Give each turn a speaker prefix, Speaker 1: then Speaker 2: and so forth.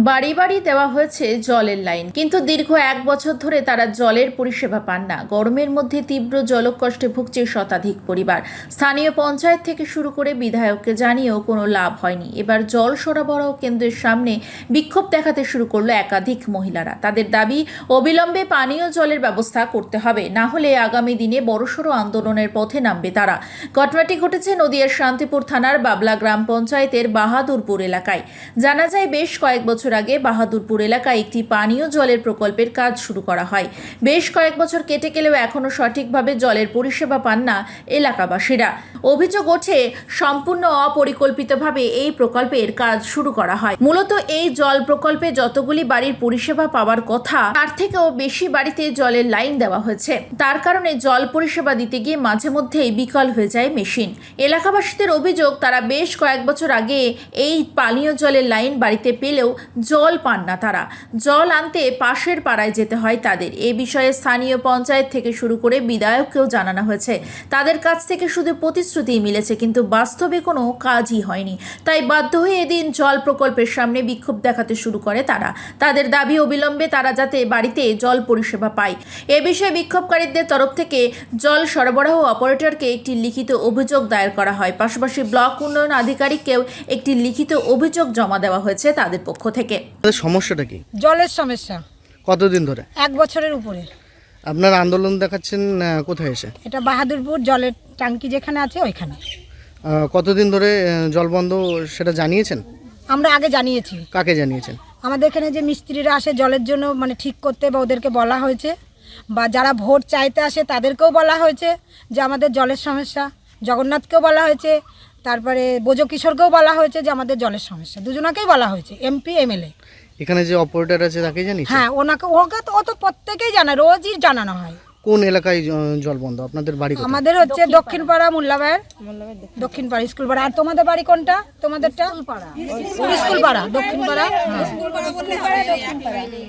Speaker 1: বাড়ি বাড়ি দেওয়া হয়েছে জলের লাইন, কিন্তু দীর্ঘ 1 বছর ধরে তারা জলের পরিষেবা পান না। গরমের মধ্যে তীব্র জলকষ্টে ভুগছে শতাধিক পরিবার। স্থানীয় পঞ্চায়েত থেকে শুরু করে বিধায়ককে জানিয়েও কোনো লাভ হয়নি। এবার জল সরবরাহ কেন্দ্রের সামনে বিক্ষোভ দেখাতে শুরু করলো একাধিক মহিলারা। তাদের দাবি, অবিলম্বে পানীয় জলের ব্যবস্থা করতে হবে, না হলে আগামী দিনে বড়সড় আন্দোলনের পথে নামবে তারা। ঘটনাটি ঘটেছে নদিয়ার শান্তিপুর থানার বাবলা গ্রাম পঞ্চায়েতের বাহাদুরপুর এলাকায়। জানা যায়, বেশ কয়েক বছর আগে বাহাদুরপুর এলাকায় একটি পানীয় জলের প্রকল্পের কাজ শুরু করা হয়। বেশ কয়েক বছর কেটে গেলেও এখনও সঠিকভাবে জলের পরিষেবা পান না এলাকাবাসীরা। অভিযোগ ওঠে, সম্পূর্ণ অপরিকল্পিতভাবে এই প্রকল্পের কাজ শুরু করা হয়। মূলত এই জল প্রকল্পে যতগুলি বাড়ির পরিষেবা পাওয়ার কথা, তার থেকেও বেশি বাড়িতে জলের লাইন দেওয়া হয়েছে। তার কারণে জল পরিষেবা দিতে গিয়ে মাঝে মধ্যেই বিকল হয়ে যায় মেশিন। এলাকাবাসীদের অভিযোগ, তারা বেশ কয়েক বছর আগে এই পানীয় জলের লাইন বাড়িতে পেলেও জল পান না তারা। জল আনতে পাশের পাড়ায় যেতে হয় তাদের। এ বিষয়ে স্থানীয় পঞ্চায়েত থেকে শুরু করে বিধায়ককেও জানানো হয়েছে। তাদের কাছ থেকে শুধু প্রতিশ্রুতিই মিলেছে, কিন্তু বাস্তবে কোনো কাজই হয়নি। তাই বাধ্য হয়ে এদিন জল প্রকল্পের সামনে বিক্ষোভ দেখাতে শুরু করে তারা। তাদের দাবি, অবিলম্বে তারা যাতে বাড়িতে জল পরিষেবা পায়। এ বিষয়ে বিক্ষোভকারীদের তরফ থেকে জল সরবরাহ অপারেটরকে একটি লিখিত অভিযোগ দায়ের করা হয়। পাশাপাশি ব্লক উন্নয়ন আধিকারিককেও একটি লিখিত অভিযোগ জমা দেওয়া হয়েছে তাদের পক্ষ থেকে।
Speaker 2: সমস্যাটা কি?
Speaker 3: জলের সমস্যা
Speaker 2: কতদিন ধরে?
Speaker 3: 1 বছরের উপরে।
Speaker 2: আপনার আন্দোলন দেখাচ্ছেন কোথায় এসে?
Speaker 3: এটা বাহাদুরপুর জলের ট্যাঙ্কি যেখানে আছে ওইখানে।
Speaker 2: কতদিন ধরে জল বন্ধ সেটা জানিয়েছেন?
Speaker 3: আমরা আগে জানিয়েছি।
Speaker 2: কাকে জানিয়েছেন?
Speaker 3: আমাদের এখানে যে মিস্ত্রিরা আসে জলের জন্য মানে ঠিক করতে, বা ওদেরকে বলা হয়েছে, বা যারা ভোট চাইতে আসে তাদেরকেও বলা হয়েছে যে আমাদের জলের সমস্যা। জগন্নাথকেও বলা হয়েছে, তারপরে বোজো কিশোরকেও বলা হয়েছে যে আমাদের জলের সমস্যা। দুজনাকেই বলা হয়েছে, এমপি এমএলএ।
Speaker 2: এখানে যে অপারেটর আছে তাকে জানিয়েছেন?
Speaker 3: হ্যাঁ, ওকে তো ও তো প্রত্যেকেই জানে, রোজই জানানো হয়।
Speaker 2: কোন এলাকায় জল বন্ধ? আপনাদের বাড়ি কোথায়?
Speaker 3: আমাদের হচ্ছে দক্ষিণ পাড়া, মোল্লাবাইয়ের দক্ষিণ পাড়া স্কুল পাড়া। আর তোমাদের বাড়ি কোনটা? তোমাদেরটা স্কুল পাড়া, দক্ষিণ পাড়া।